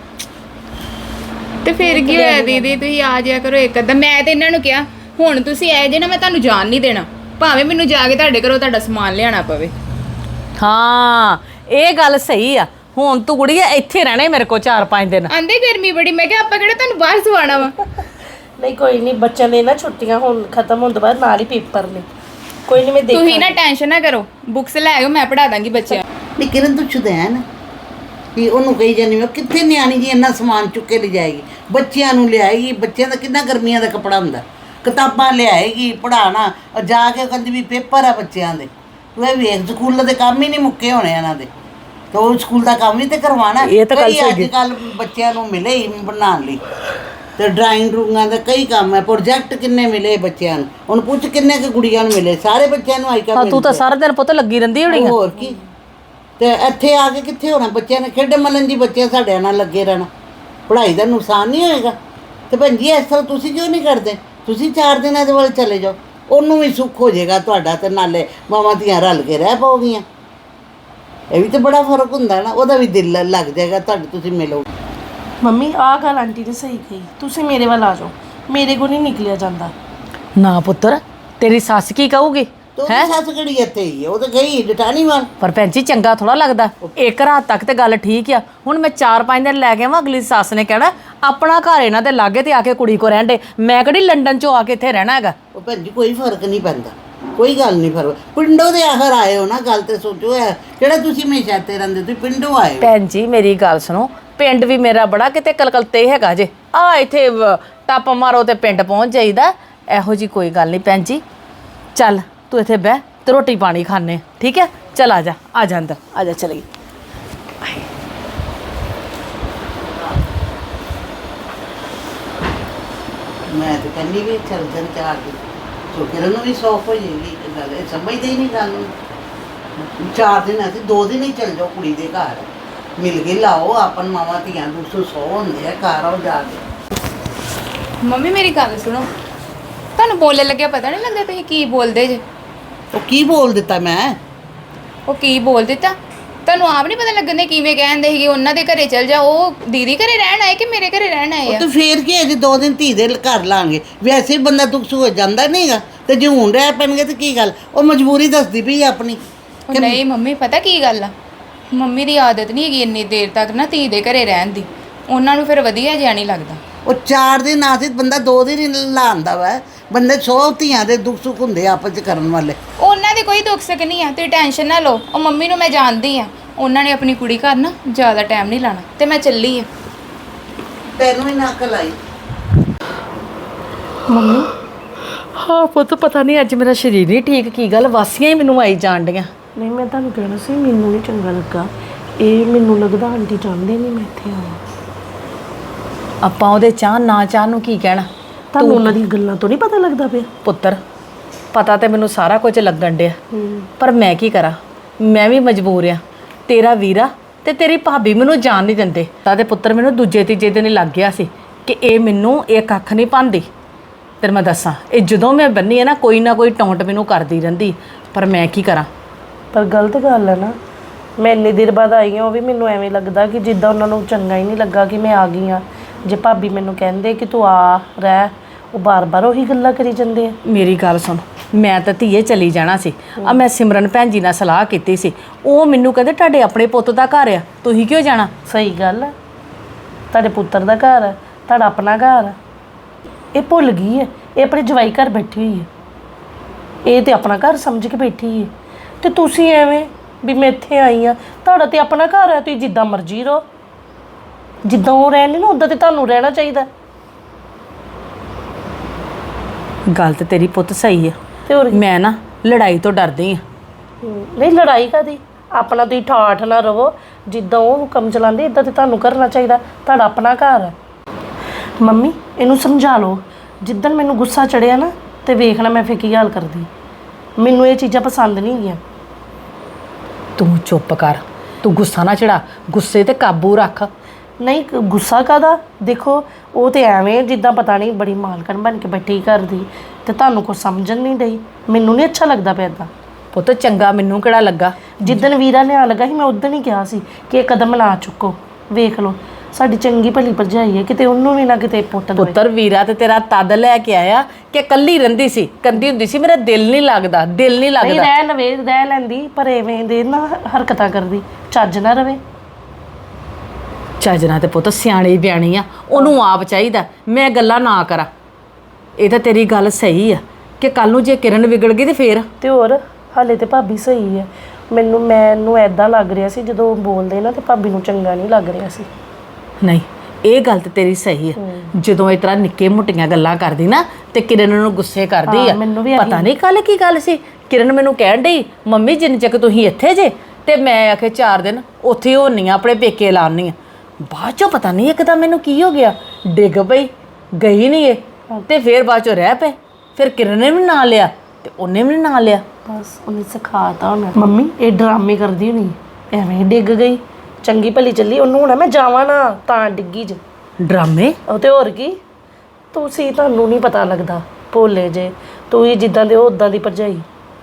Speaker 3: ਤੇ ਫਿਰ ਕੀ ਹੋਇਆ ਦੀਦੀ, ਤੁਸੀਂ ਆ ਜਾਇਆ ਕਰੋ ਇੱਕ ਅੱਧਾ। ਮੈਂ ਤੇ ਇਹਨਾਂ ਨੂੰ ਕਿਹਾ ਹੁਣ ਤੁਸੀਂ ਆਏ ਜੇ ਨਾ, ਮੈਂ ਤੁਹਾਨੂੰ ਜਾਣ ਨਹੀਂ ਦੇਣਾ, ਭਾਵੇਂ ਮੈਨੂੰ ਜਾ ਕੇ ਤੁਹਾਡੇ ਘਰੋਂ ਤੁਹਾਡਾ ਸਮਾਨ ਲਿਆਉਣਾ ਪਵੇ।
Speaker 6: ਹਾਂ ਇਹ ਗੱਲ ਸਹੀ ਆ। ਹੁਣ ਤੂੰ ਕੁੜੀਏ ਇੱਥੇ ਰਹਿਣਾ ਮੇਰੇ ਕੋਲ ਚਾਰ ਪੰਜ ਦਿਨ।
Speaker 3: ਆਂਦੇ ਗਰਮੀ ਬੜੀ, ਮੈਂ ਕਿਹਾ ਆਪਾਂ ਕਿਹੜਾ ਤੁਹਾਨੂੰ ਬਾਹਰ ਸਵਾਣਾ ਵਾ।
Speaker 4: ਨਹੀਂ ਕੋਈ ਨਹੀਂ, ਬੱਚਿਆਂ ਦੇ ਨਾ ਛੁੱਟੀਆਂ ਹੁਣ ਖਤਮ ਹੋਣ ਤੋਂ ਬਾਅਦ ਨਾਲ ਹੀ ਪੇਪਰ ਨੇ। ਕੋਈ ਨਹੀਂ ਮੈਂ ਦੇਖ
Speaker 3: ਤੁਸੀਂ ਨਾ ਟੈਨਸ਼ਨ ਨਾ ਕਰੋ, ਬੁੱਕਸ ਲੈ ਆਇਓ, ਮੈਂ ਪੜ੍ਹਾ ਦਾਂਗੀ ਬੱਚਿਆਂ ਨੂੰ।
Speaker 1: ਨਹੀਂ ਕਿਰਨ ਤੂੰ ਚੁਦੈਨ ਕਿ ਉਹਨੂੰ ਕਹੀ ਜਾਂਦੀ ਮੈਂ ਕਿੱਥੇ ਨਿਆਣੀ ਜੀ ਇੰਨਾ ਸਮਾਨ ਚੁੱਕ ਕੇ ਲਿਜਾਏਗੀ, ਬੱਚਿਆਂ ਨੂੰ ਲਿਆਏਗੀ। ਬੱਚਿਆਂ ਦਾ ਕਿੰਨਾ ਗਰਮੀਆਂ ਦਾ ਕੱਪੜਾ ਹੁੰਦਾ, ਕਿਤਾਬਾਂ ਲਿਆਏਗੀ, ਪੜ੍ਹਾਉਣਾ, ਜਾ ਕੇ ਕਹਿੰਦੀ ਵੀ ਪੇਪਰ ਆ ਬੱਚਿਆਂ ਦੇ। ਤੂੰ ਇਹ ਵੇਖ ਸਕੂਲ ਦੇ ਕੰਮ ਹੀ ਨਹੀਂ ਮੁੱਕੇ ਹੋਣੇ ਇਹਨਾਂ ਦੇ, ਤੇ ਉਹ ਸਕੂਲ ਦਾ ਕੰਮ ਵੀ ਤੇ ਕਰਵਾਉਣਾ।
Speaker 6: ਇਹ ਤਾਂ ਗੱਲ
Speaker 1: ਕਈ
Speaker 6: ਸਹੀ
Speaker 1: ਅੱਜ ਕੱਲ੍ਹ ਬੱਚਿਆਂ ਨੂੰ ਮਿਲੇ ਹੀ ਬਣਾਉਣ ਲਈ, ਤੇ ਡਰਾਇੰਗ ਰੂਮਾਂ ਦਾ ਕਈ ਕੰਮ ਹੈ। ਪ੍ਰੋਜੈਕਟ ਕਿੰਨੇ ਮਿਲੇ ਬੱਚਿਆਂ ਨੂੰ, ਹੁਣ ਪੁੱਛ ਕਿੰਨੇ ਕੁ ਕੁੜੀਆਂ ਨੂੰ ਮਿਲੇ? ਸਾਰੇ ਬੱਚਿਆਂ ਨੂੰ ਆਈਕਾ
Speaker 6: ਹਾਂ ਤੂੰ ਤਾਂ ਸਾਰਾ ਦਿਨ ਪੁੱਤ ਲੱਗੀ ਰਹਿੰਦੀ ਹੋਣੀ ਆ।
Speaker 1: ਹੋਰ ਕੀ। ਤੇ ਇੱਥੇ ਆ ਕੇ ਕਿੱਥੇ ਹੋਣਾ ਬੱਚਿਆਂ ਨੇ? ਖੇਡ ਮਲਣ ਦੀ ਬੱਚਿਆਂ ਸਾਡੇ ਨਾਲ ਲੱਗੇ ਰਹਿਣਾ, ਪੜ੍ਹਾਈ ਦਾ ਨੁਕਸਾਨ ਨਹੀਂ ਹੋਏਗਾ? ਤੇ ਭੈਣ ਜੀ ਇਸ ਤਰ੍ਹਾਂ ਤੁਸੀਂ ਕਿਉਂ ਨਹੀਂ ਕਰਦੇ? ਤੁਸੀਂ ਚਾਰ ਦਿਨ ਇਹਦੇ ਵੱਲ ਚਲੇ ਜਾਓ, ਉਹਨੂੰ ਵੀ ਸੁੱਖ ਹੋ ਜਾਏਗਾ ਤੁਹਾਡਾ, ਤੇ ਨਾਲੇ ਮਾਵਾਂ ਧੀਆਂ ਰਲ ਕੇ ਰਹਿ ਪਾਓਗੀਆਂ। ਇਹ ਵੀ ਤਾਂ ਬੜਾ ਫਰਕ ਹੁੰਦਾ ਨਾ, ਉਹਦਾ ਵੀ ਦਿਲ ਲੱਗ ਜਾਏਗਾ ਤੁਹਾਡੇ, ਤੁਸੀਂ ਮਿਲੋ।
Speaker 4: ਮੰਮੀ ਆਹ ਗੱਲ ਆਂਟੀ ਨੇ ਸਹੀ ਕਹੀ, ਤੁਸੀਂ ਮੇਰੇ ਵੱਲ ਆ ਜਾਓ, ਮੇਰੇ ਕੋਲ ਨਹੀਂ ਨਿਕਲਿਆ ਜਾਂਦਾ।
Speaker 6: ਨਾ ਪੁੱਤਰ, ਤੇਰੀ ਸੱਸ ਕੀ ਕਹੂਗੀ?
Speaker 1: ਤੂੰ ਸੱਸ ਕਿਹੜੀ ਇੱਥੇ ਹੀ ਹੈ? ਉਹ ਤਾਂ ਗਈ ਜਟਾਣੀ ਵੱਲ।
Speaker 6: ਪਰ ਭੈਣ ਜੀ ਚੰਗਾ ਥੋੜਾ ਲੱਗਦਾ। ਇੱਕ ਰਾਤ ਤੱਕ ਤੇ ਗੱਲ ਠੀਕ ਆ, ਹੁਣ ਮੈਂ ਚਾਰ ਪੰਜ ਦਿਨ ਲੈ ਕੇ ਆਵਾਂ, ਅਗਲੀ ਸੱਸ ਨੇ ਕਹਿਣਾ ਆਪਣਾ ਘਰ ਇਹਨਾਂ ਦੇ ਲਾਗੇ ਤੇ ਆ ਕੇ ਕੁੜੀ ਕੋ ਰਹਿਣ ਦੇ। ਮੈਂ ਕਿਹੜੀ ਲੰਡਨ ਚੋਂ ਆ ਕੇ ਇੱਥੇ ਰਹਿਣਾ ਹੈਗਾ।
Speaker 1: ਉਹ ਭੈਣ ਜੀ ਕੋਈ ਫਰਕ ਨਹੀਂ ਪੈਂਦਾ, ਕੋਈ ਗੱਲ ਨਹੀਂ ਫਰਕ। ਪਿੰਡੋਂ ਦੇ ਆਖਰ ਆਏ ਹੋ ਨਾ, ਗੱਲ ਤੇ ਸੋਚੋ। ਹੈ ਕਿਹੜਾ ਤੁਸੀਂ ਹਮੇਸ਼ਾ ਇੱਥੇ ਰਹਿੰਦੇ, ਤੁਸੀਂ ਪਿੰਡੋਂ ਆਏ ਹੋ।
Speaker 6: ਭੈਣ ਜੀ ਮੇਰੀ ਗੱਲ ਸੁਣੋ, ਪਿੰਡ ਵੀ ਮੇਰਾ ਬੜਾ ਕਿਤੇ ਕਲਕਲਤੇ ਹੈਗਾ ਜੇ। ਆ ਇੱਥੇ ਵ- ਟੱਪ ਮਾਰੋ ਤੇ ਪਿੰਡ ਪਹੁੰਚ ਜਾਈਦਾ। ਇਹੋ ਜੀ ਕੋਈ ਗੱਲ ਨਹੀਂ ਭੈਣ ਜੀ। ਚੱਲ ਤੂੰ ਇੱਥੇ ਬਹਿ ਤੇ ਰੋਟੀ ਪਾਣੀ ਖਾਣੇ, ਠੀਕ ਹੈ? ਚੱਲ ਆ ਜਾ, ਆ ਜਾ ਅੰਦਰ, ਆ ਜਾ ਚਲੀ।
Speaker 1: ਮੈਂ ਤਾਂ ਕਹਿੰਦੀ ਵੀ ਚੱਲ ਜਨ ਤੇ ਆ ਕੇ ਸੋ ਕਿਰਨ ਨੂੰ ਵੀ ਸੌਖ ਹੋ ਜਾਏਗੀ। ਇਹ ਗੱਲ ਇਹ ਸਮਝਦੇ ਹੀ ਨਹੀਂ ਗੱਲ ਨੂੰ। ਚਾਰ ਦਿਨ ਅਸੀਂ ਦੋ ਦਿਨ ਹੀ ਚੱਲ ਜਾਓ ਕੁੜੀ ਦੇ ਘਰ, ਮਿਲ ਕੇ ਲਾਓ ਆਪਨ ਮਾਵਾਂ ਧੀਆਂ ਦੋ ਸੌ ਸੌ ਹੁੰਦੇ ਆ ਘਰ, ਆਓ ਜਾ ਕੇ।
Speaker 3: ਮੰਮੀ ਮੇਰੀ ਗੱਲ ਸੁਣੋ, ਤੁਹਾਨੂੰ ਬੋਲਣ ਲੱਗਿਆ ਪਤਾ ਨਹੀਂ ਲੱਗਦਾ ਤੁਸੀਂ ਕੀ ਬੋਲਦੇ ਜੇ?
Speaker 1: ਉਹ ਕੀ ਬੋਲ ਦਿੱਤਾ ਮੈਂ?
Speaker 3: ਉਹ ਕੀ ਬੋਲ ਦਿੱਤਾ ਤੁਹਾਨੂੰ ਆਪ ਨਹੀਂ ਪਤਾ ਲੱਗਣ ਦੇ ਕਿਵੇਂ ਕਹਿੰਦੇ ਸੀਗੇ ਉਹਨਾਂ ਦੇ ਘਰੇ ਚਲ ਜਾ। ਉਹ ਦੀਦੀ ਘਰੇ ਰਹਿਣ ਆਏ ਕਿ ਮੇਰੇ ਘਰੇ ਰਹਿਣ ਆਏ
Speaker 1: ਉਹ
Speaker 3: ਆ?
Speaker 1: ਤੇ ਫੇਰ ਕੀ ਅਜੇ ਦੋ ਦਿਨ ਧੀ ਦੇ ਘਰ ਲਾਂਗੇ, ਵੈਸੇ ਹੀ ਬੰਦਾ ਦੁੱਖ ਸੁੱਖ ਹੋ ਜਾਂਦਾ ਨਹੀਂਗਾ, ਤੇ ਜੇ ਹੁਣ ਰਹਿ ਪੈਣਗੇ ਤੇ ਕੀ ਗੱਲ? ਉਹ ਮਜਬੂਰੀ ਦੱਸਦੀ ਪਈ ਆਪਣੀ।
Speaker 3: ਉਹ ਨਹੀਂ ਮੰਮੀ, ਪਤਾ ਕੀ ਗੱਲ ਆ, ਮੰਮੀ ਦੀ ਆਦਤ ਨਹੀਂ ਹੈਗੀ ਇੰਨੀ ਦੇਰ ਤੱਕ ਨਾ ਧੀ ਦੇ ਘਰੇ ਰਹਿਣ ਦੀ। ਉਹਨਾਂ ਨੂੰ ਫਿਰ ਵਧੀਆ ਜਿਹਾ ਨਹੀਂ ਲੱਗਦਾ।
Speaker 1: ਉਹ ਚਾਰ ਦਿਨ ਆਸਿਤ ਬੰਦਾ ਦੋ ਦਿਨ ਹੀ ਲਾਉਂਦਾ ਵਾ। ਬੰਦੇ ਸੌ ਧੀਆਂ ਦੇ ਦੁੱਖ ਸੁੱਖ ਹੁੰਦੇ ਆ ਆਪਸ ਚ ਕਰਨ ਵਾਲੇ।
Speaker 3: ਉਹਨਾਂ ਦੇ ਕੋਈ ਦੁੱਖ ਸੁੱਖ ਨਹੀਂ ਆ, ਤੁਸੀਂ ਟੈਨਸ਼ਨ ਨਾ ਲਓ। ਉਹ ਮੰਮੀ ਨੂੰ ਮੈਂ ਜਾਣਦੀ ਆ, ਉਹਨਾਂ ਨੇ ਆਪਣੀ ਕੁੜੀ ਘਰ ਨਾ ਜ਼ਿਆਦਾ ਟਾਈਮ ਨਹੀਂ ਲਾਣਾ, ਤੇ ਮੈਂ ਚੱਲੀ ਆ।
Speaker 1: ਤੈਨੂੰ ਹੀ ਨਾ ਅਕਲ ਆਈ।
Speaker 6: ਮੰਮੀ ਹਾਂ ਪੁੱਤ, ਪਤਾ ਨਹੀਂ ਅੱਜ ਮੇਰਾ ਸਰੀਰ ਨਹੀਂ ਠੀਕ, ਕੀ ਗੱਲ ਵਾਸੀਆਂ ਹੀ ਮੈਨੂੰ ਆਈ ਜਾਣ ਡੀਆਂ।
Speaker 4: ਨਹੀਂ ਮੈਂ ਤੁਹਾਨੂੰ ਕਹਿਣਾ ਸੀ, ਮੈਨੂੰ ਨਹੀਂ ਚੰਗਾ ਲੱਗਾ ਇਹ। ਮੈਨੂੰ ਲੱਗਦਾ ਆਂਟੀ ਚਾਹੁੰਦੇ ਨਹੀਂ ਮੈਂ ਇੱਥੇ ਆਵਾਂ।
Speaker 6: ਆਪਾਂ ਉਹਦੇ ਚਾਹ ਨਾ ਚਾਹ ਨੂੰ ਕੀ ਕਹਿਣਾ?
Speaker 4: ਤੁਹਾਨੂੰ ਉਹਨਾਂ ਦੀਆਂ ਗੱਲਾਂ ਤੋਂ ਨਹੀਂ ਪਤਾ ਲੱਗਦਾ ਪਿਆ?
Speaker 6: ਪੁੱਤਰ ਪਤਾ ਤੇ ਮੈਨੂੰ ਸਾਰਾ ਕੁਝ ਲੱਗਣ ਡਿਆ, ਪਰ ਮੈਂ ਕੀ ਕਰਾਂ? ਮੈਂ ਵੀ ਮਜਬੂਰ ਆ। ਤੇਰਾ ਵੀਰਾ ਤੇ ਤੇਰੀ ਭਾਬੀ ਮੈਨੂੰ ਜਾਣ ਨਹੀਂ ਦਿੰਦੇ। ਤਾਂ ਤੇ ਪੁੱਤਰ ਮੈਨੂੰ ਦੂਜੇ ਤੀਜੇ ਦਿਨ ਹੀ ਲੱਗ ਗਿਆ ਸੀ ਕਿ ਇਹ ਮੈਨੂੰ ਇਹ ਕੱਖ ਨਹੀਂ ਪਾਉਂਦੀ। ਤੇਰੇ ਮੈਂ ਦੱਸਾਂ, ਇਹ ਜਦੋਂ ਮੈਂ ਬੰਨੀ ਹੈ ਨਾ, ਕੋਈ ਨਾ ਕੋਈ ਟੌਂਟ ਮੈਨੂੰ ਕਰਦੀ ਰਹਿੰਦੀ, ਪਰ ਮੈਂ ਕੀ ਕਰਾਂ?
Speaker 4: ਪਰ ਗਲਤ ਗੱਲ ਹੈ ਨਾ, ਮੈਂ ਇੰਨੀ ਦੇਰ ਬਾਅਦ ਆਈ ਹਾਂ, ਉਹ ਵੀ ਮੈਨੂੰ ਐਵੇਂ ਲੱਗਦਾ ਕਿ ਜਿੱਦਾਂ ਉਹਨਾਂ ਨੂੰ ਚੰਗਾ ਹੀ ਨਹੀਂ ਲੱਗਾ ਕਿ ਮੈਂ ਆ ਗਈ ਹਾਂ। ਜੇ ਭਾਬੀ ਮੈਨੂੰ ਕਹਿੰਦੇ ਕਿ ਤੂੰ ਆ ਰਹਿ, ਉਹ ਬਾਰ-ਬਾਰ ਉਹੀ ਗੱਲਾਂ ਕਰੀ ਜਾਂਦੇ ਆ।
Speaker 6: ਮੇਰੀ ਗੱਲ ਸੁਣ, ਮੈਂ ਤਾਂ ਧੀਏ ਚਲੀ ਜਾਣਾ ਸੀ। ਆ ਮੈਂ ਸਿਮਰਨ ਭੈਣ ਜੀ ਨਾਲ ਸਲਾਹ ਕੀਤੀ ਸੀ, ਉਹ ਮੈਨੂੰ ਕਹਿੰਦੇ ਤੁਹਾਡੇ ਆਪਣੇ ਪੁੱਤ ਦਾ ਘਰ ਆ, ਤੁਸੀਂ ਕਿਉਂ ਜਾਣਾ?
Speaker 4: ਸਹੀ ਗੱਲ ਹੈ, ਤੁਹਾਡੇ ਪੁੱਤਰ ਦਾ ਘਰ ਹੈ, ਤੁਹਾਡਾ ਆਪਣਾ ਘਰ ਹੈ। ਇਹ ਭੁੱਲ ਗਈ ਹੈ, ਇਹ ਆਪਣੇ ਜਵਾਈ ਘਰ ਬੈਠੀ ਹੋਈ ਹੈ, ਇਹ ਤੇ ਆਪਣਾ ਘਰ ਸਮਝ ਕੇ ਬੈਠੀ ਹੈ। ਤੇ ਤੁਸੀਂ ਐਵੇਂ ਵੀ ਮੈਂ ਇੱਥੇ ਆਈ ਹਾਂ, ਤੁਹਾਡਾ ਤੇ ਆਪਣਾ ਘਰ ਹੈ, ਤੁਸੀਂ ਜਿੱਦਾਂ ਮਰਜ਼ੀ ਰਹੋ। ਜਿੱਦਾਂ ਉਹ ਰਹਿੰਦੇ ਨਾ ਉੱਦਾਂ ਤੇ ਤੁਹਾਨੂੰ ਰਹਿਣਾ ਚਾਹੀਦਾ।
Speaker 6: ਗੱਲ ਤੇ ਤੇਰੀ ਪੁੱਤ ਸਹੀ ਆ,
Speaker 4: ਤੇ ਹੋਰ ਕੀ?
Speaker 6: ਮੈਂ ਨਾ ਲੜਾਈ ਤੋਂ ਡਰਦੀ ਆ।
Speaker 4: ਹਮ, ਨਹੀਂ ਲੜਾਈ ਕਾਦੀ, ਆਪਣਾ ਤੁਸੀਂ ਠਾਠ ਨਾ ਰਵੋ। ਜਿੱਦਾਂ ਉਹ ਹੁਕਮ ਚਲਾਉਂਦੇ ਇੱਦਾਂ ਤੇ ਤੁਹਾਨੂੰ ਕਰਨਾ ਚਾਹੀਦਾ, ਤੁਹਾਡਾ ਆਪਣਾ ਘਰ ਹੈ। ਮੰਮੀ ਇਹਨੂੰ ਸਮਝਾ ਲਓ, ਜਿੱਦਣ ਮੈਨੂੰ ਗੁੱਸਾ ਚੜਿਆ ਨਾ ਤੇ ਵੇਖਣਾ ਮੈਂ ਫਿਰ ਕੀ ਹਾਲ ਕਰਦੀ। ਮੈਨੂੰ ਇਹ ਚੀਜ਼ਾਂ ਪਸੰਦ ਨਹੀਂ ਹੈਗੀਆਂ।
Speaker 6: ਤੂੰ ਚੁੱਪ ਕਰ, ਤੂੰ ਗੁੱਸਾ ਨਾ ਚੜਾ, ਗੁੱਸੇ ਤੇ ਕਾਬੂ ਰੱਖ।
Speaker 4: ਨਹੀਂ ਕ- ਗੁੱਸਾ ਕਾਦਾ, ਦੇਖੋ ਉਹ ਤੇ ਐਵੇਂ ਜਿੱਦਾਂ ਪਤਾ ਨਹੀਂ ਬੜੀ ਮਾਲਕਣ ਬਣ ਕੇ ਬੈਠੀ ਕਰਦੀ, ਤੇ ਤੁਹਾਨੂੰ ਕੁਛ ਸਮਝਣ ਨਹੀਂ ਡਈ। ਮੈਨੂੰ ਨਹੀਂ ਅੱਛਾ ਲੱਗਦਾ ਪਿਆ ਇੱਦਾਂ।
Speaker 6: ਪੁੱਤ ਚੰਗਾ ਮੈਨੂੰ ਕਿਹੜਾ ਲੱਗਾ?
Speaker 4: ਜਿੱਦਣ ਵੀਰਾ ਨੇ ਆ ਲੱਗਾ ਸੀ ਮੈਂ ਉਦੋਂ ਹੀ ਕਿਹਾ ਸੀ ਕਿ ਇਹ ਕਦਮ ਨਾ ਚੁੱਕੋ। ਵੇਖ ਲਓ ਸਾਡੀ ਚੰਗੀ ਭਲੀ ਭਰਜਾਈ ਹੈ, ਕਿਤੇ ਉਹਨੂੰ ਵੀ ਨਾ ਕਿਤੇ ਪੁੱਟ ਦੇਵੇ।
Speaker 6: ਪੁੱਤਰ ਵੀਰਾ ਤੇ ਤੇਰਾ ਤਦ ਲੈ ਕੇ ਆਇਆ ਕਿ ਕੱਲੀ ਰਹਿੰਦੀ ਸੀ, ਕੰਦੀ ਹੁੰਦੀ ਸੀ, ਮੇਰਾ ਦਿਲ ਨਹੀਂ ਲੱਗਦਾ, ਦਿਲ ਨਹੀਂ
Speaker 4: ਨਹੀਂ
Speaker 6: ਲੱਗਦਾ।
Speaker 4: ਰਹਿ ਲਵੇ, ਰਹਿ ਲੈਂਦੀ, ਪਰ ਐਵੇਂ ਦੇ ਨਾ ਹਰਕਤਾਂ ਕਰਦੀ, ਚੱਜ ਨਾ ਰਵੇ।
Speaker 6: ਚੱਜਣਾ ਤੇ ਪੁੱਤ ਸਿਆਣੀ ਬਿਆਣੀ ਆ, ਉਹਨੂੰ ਆਪ ਚਾਹੀਦਾ ਮੈਂ ਗੱਲਾਂ ਨਾ ਕਰਾਂ। ਇਹ ਤਾਂ ਤੇਰੀ ਗੱਲ ਸਹੀ ਆ ਕਿ ਕੱਲ ਨੂੰ ਜੇ ਕਿਰਨ ਵਿਗੜ ਗਈ ਤੇ ਫੇਰ।
Speaker 4: ਤੇ ਹੋਰ ਹਾਲੇ ਤੇ ਭਾਬੀ ਸਹੀ ਹੈ। ਮੈਨੂੰ ਮੈਨੂੰ ਐਦਾਂ ਲੱਗ ਰਿਹਾ ਸੀ ਜਦੋਂ ਉਹ ਬੋਲਦੇ ਨਾ ਤੇ ਭਾਬੀ ਨੂੰ ਚੰਗਾ ਨਹੀਂ ਲੱਗ ਰਿਹਾ ਸੀ।
Speaker 6: ਨਹੀਂ ਇਹ ਗੱਲ ਤੇ ਤੇਰੀ ਸਹੀ ਆ, ਜਦੋਂ ਇਸ ਤਰ੍ਹਾਂ ਨਿੱਕੇ ਮੁੱਟੀਆਂ ਗੱਲਾਂ ਕਰਦੀ ਨਾ ਤੇ ਕਿਰਨ ਨੂੰ ਗੁੱਸੇ ਕਰਦੀ
Speaker 4: ਹਾਂ,
Speaker 6: ਆ।
Speaker 4: ਮੈਨੂੰ ਵੀ
Speaker 6: ਪਤਾ ਨਹੀਂ ਕੱਲ ਕੀ ਗੱਲ ਸੀ, ਕਿਰਨ ਮੈਨੂੰ ਕਹਿਣ ਡਈ ਮੰਮੀ ਜਿੰਨ ਚੱਕ ਤੁਸੀਂ ਇੱਥੇ ਜੇ ਤੇ ਮੈਂ ਆਖੇ ਚਾਰ ਦਿਨ ਉੱਥੇ ਹੋਣੀ ਆ, ਆਪਣੇ ਪੇਕੇ ਲਾਉਣੀ ਆ। ਬਾਅਦ ਚੋਂ ਪਤਾ ਨਹੀਂ ਇੱਕਦਮ ਮੈਨੂੰ ਕੀ ਹੋ ਗਿਆ, ਡਿੱਗ ਪਈ, ਗਈ ਨਹੀਂ ਇਹ ਤੇ ਫਿਰ ਬਾਅਦ ਚੋਂ ਰਹਿ ਪਏ। ਫਿਰ ਕਿਰਨ ਨੇ ਵੀ ਨਾਂ ਲਿਆ ਤੇ ਉਹਨੇ ਵੀ ਨਾਂ ਲਿਆ।
Speaker 4: ਬਸ ਉਹਨੇ ਸਿਖਾਤਾ ਹੋਣਾ। ਮੰਮੀ ਇਹ ਡਰਾਮੇ ਕਰਦੀ ਹੋਣੀ, ਐਵੇਂ ਡਿੱਗ ਗਈ, ਚੰਗੀ ਭਲੀ ਚੱਲੀ, ਉਹਨੂੰ ਹੋਣਾ ਮੈਂ ਜਾਵਾਂ ਨਾ ਤਾਂ ਡਿੱਗੀ ਜ।
Speaker 6: ਡਰਾਮੇ?
Speaker 4: ਉਹ ਤੇ ਹੋਰ ਕੀ, ਤੁਸੀਂ ਤੁਹਾਨੂੰ ਨਹੀਂ ਪਤਾ ਲੱਗਦਾ, ਭੋਲੇ ਜੇ ਤੁਸੀਂ ਜਿੱਦਾਂ ਦੇ ਉਹ ਉਦਾਂ ਦੀ ਭਰਜਾਈ।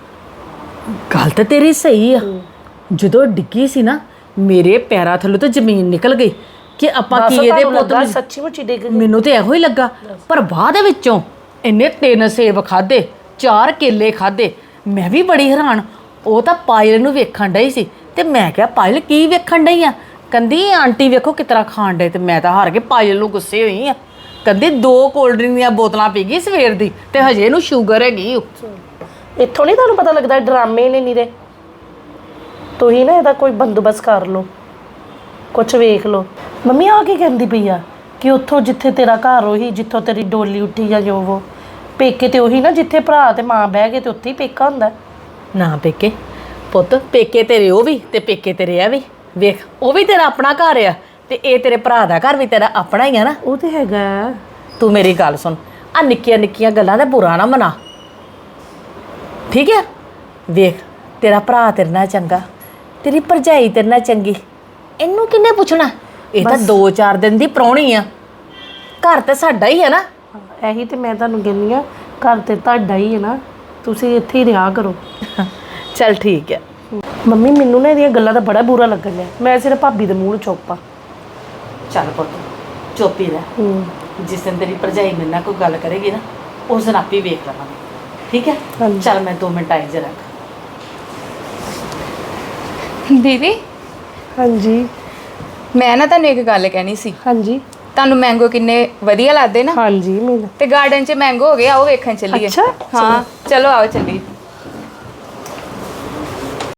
Speaker 6: ਗੱਲ ਤਾਂ ਤੇਰੀ ਸਹੀ ਆ, ਜਦੋਂ ਡਿੱਗੀ ਸੀ ਨਾ ਮੇਰੇ ਪੈਰਾਂ ਥੱਲੋਂ ਤਾਂ ਜ਼ਮੀਨ ਨਿਕਲ ਗਈ ਕਿ ਆਪਾਂ ਕੀ ਇਹਦੇ ਪੁੱਤ ਨੂੰ।
Speaker 4: ਸੱਚੀ ਮੁੱਚੀ ਡਿੱਗ ਗਈ।
Speaker 6: ਮੈਨੂੰ ਤੇ ਇਹੋ ਹੀ ਲੱਗਾ, ਪਰ ਬਾਅਦ ਵਿੱਚੋਂ ਇਹਨੇ ਤਿੰਨ ਸੇਬ ਖਾਦੇ, ਚਾਰ ਕੇਲੇ ਖਾਦੇ। ਮੈਂ ਵੀ ਬੜੀ ਹੈਰਾਨ, ਉਹ ਤਾਂ ਪਾਇਲ ਨੂੰ ਵੇਖਣ ਡਈ ਸੀ ਤੇ ਮੈਂ ਕਿਹਾ ਪਾਇਲ ਕੀ ਵੇਖਣ ਡਈ ਆ? ਕਹਿੰਦੀ ਆਂਟੀ ਵੇਖੋ ਕਿਸ ਤਰ੍ਹਾਂ ਖਾਣ ਡੇ। ਤੇ ਮੈਂ ਤਾਂ ਹਾਰ ਕੇ ਪਾਇਲ ਨੂੰ ਗੁੱਸੇ ਹੋਈ ਆ। ਕਹਿੰਦੀ ਦੋ ਕੋਲਡ ਡਰਿੰਕ ਦੀਆਂ ਬੋਤਲਾਂ ਪੀ ਗਈ ਸਵੇਰ ਦੀ ਤੇ ਹਜੇ ਇਹਨੂੰ ਸ਼ੂਗਰ ਹੈਗੀ।
Speaker 4: ਇੱਥੋਂ ਨਹੀਂ ਤੁਹਾਨੂੰ ਪਤਾ ਲੱਗਦਾ ਡਰਾਮੇ ਨੇ ਨੀਰੇ। ਤੁਸੀਂ ਨਾ ਇਹਦਾ ਕੋਈ ਬੰਦੋਬਸਤ ਕਰ ਲਓ, ਕੁਛ ਵੇਖ ਲਓ। ਮੰਮੀ ਆ ਕੀ ਕਹਿੰਦੀ ਪਈ ਆ ਕਿ ਉੱਥੋਂ ਜਿੱਥੇ ਤੇਰਾ ਘਰ ਉਹੀ ਜਿੱਥੋਂ ਤੇਰੀ ਡੋਲੀ ਉੱਠੀ ਜਾਂ ਜੋ ਉਹ ਪੇਕੇ ਤੇ ਉਹੀ ਨਾ, ਜਿੱਥੇ ਭਰਾ ਤੇ ਮਾਂ ਬਹਿ ਗਏ ਤੇ ਉੱਥੇ ਹੀ ਪੇਕਾ ਹੁੰਦਾ।
Speaker 6: ਨਾ ਪੇਕੇ ਪੁੱਤ, ਪੇਕੇ ਤੇਰੇ ਉਹ ਵੀ ਤੇ ਪੇਕੇ ਤੇਰੇ ਆ ਵੀ। ਵੇਖ ਉਹ ਵੀ ਤੇਰਾ ਆਪਣਾ ਘਰ ਆ ਤੇ ਇਹ ਤੇਰੇ ਭਰਾ ਦਾ ਘਰ ਵੀ ਤੇਰਾ ਆਪਣਾ ਹੀ ਆ ਨਾ।
Speaker 4: ਉਹ ਤੇ ਹੈਗਾ।
Speaker 6: ਤੂੰ ਮੇਰੀ ਗੱਲ ਸੁਣ, ਆ ਨਿੱਕੀਆਂ ਨਿੱਕੀਆਂ ਗੱਲਾਂ ਦਾ ਬੁਰਾ ਨਾ ਮਨਾ, ਠੀਕ ਹੈ? ਵੇਖ ਤੇਰਾ ਭਰਾ ਤੇਰੇ ਨਾਲ ਚੰਗਾ, ਤੇਰੀ ਭਰਜਾਈ ਤੇਰੇ ਨਾਲ ਚੰਗੀ, ਇਹਨੂੰ ਕਿੰਨੇ ਪੁੱਛਣਾ? ਇਹ ਤਾਂ ਦੋ ਚਾਰ ਦਿਨ ਦੀ ਪ੍ਰਾਹੁਣੀ ਆ, ਘਰ ਤੇ ਸਾਡਾ ਹੀ ਹੈ ਨਾ।
Speaker 4: ਇਹੀ ਤੇ ਮੈਂ ਤੁਹਾਨੂੰ ਕਹਿੰਦੀ ਆ, ਘਰ ਤੇ ਤੁਹਾਡਾ ਹੀ ਹੈ ਨਾ, ਤੁਸੀਂ ਇੱਥੇ ਹੀ ਰਿਹਾ ਕਰੋ।
Speaker 6: ਚੱਲ ਠੀਕ ਹੈ।
Speaker 4: ਮੰਮੀ ਮੈਨੂੰ ਨਾ ਇਹਦੀਆਂ ਗੱਲਾਂ ਦਾ ਬੜਾ ਬੁਰਾ ਲੱਗਣ ਲਿਆ, ਮੈਂ ਸਿਰਫ ਭਾਬੀ ਦੇ ਮੂੰਹ ਨੂੰ ਚੁੱਪਾਂ।
Speaker 6: ਚੱਲ ਪੁੱਤ ਚੁੱਪ ਹੀ ਰਹਿ,
Speaker 4: ਹੂੰ
Speaker 6: ਜਿਸ ਦਿਨ ਤੇਰੀ ਭਰਜਾਈ ਮੇਰੇ ਨਾਲ ਕੋਈ ਗੱਲ ਕਰੇਗੀ ਨਾ ਉਸ ਦਿਨ ਆਪੇ ਵੇਖ ਲਵਾਂਗੇ, ਠੀਕ ਹੈ?
Speaker 4: ਹਾਂਜੀ।
Speaker 6: ਚੱਲ ਮੈਂ ਦੋ ਮਿੰਟ ਆਈ ਜਰਾ।
Speaker 3: ਦੀਦੀ
Speaker 4: ਹਾਂਜੀ
Speaker 3: ਮੈਂ ਨਾ ਤੁਹਾਨੂੰ ਇੱਕ ਗੱਲ ਕਹਿਣੀ ਸੀ।
Speaker 4: ਹਾਂਜੀ
Speaker 3: ਤੁਹਾਨੂੰ ਮੈਂਗੋ ਕਿੰਨੇ ਵਧੀਆ ਲੱਗਦੇ ਨਾ,
Speaker 4: ਹਾਂਜੀ ਮੈਨੂੰ
Speaker 3: ਤੇ ਗਾਰਡਨ 'ਚ ਮੈਂਗੋ ਹੋ ਗਏ, ਆਓ ਵੇਖਣ ਚੱਲੀਏ।
Speaker 4: ਅੱਛਾ,
Speaker 3: ਹਾਂ ਚਲੋ ਆਓ ਚੱਲੀਏ।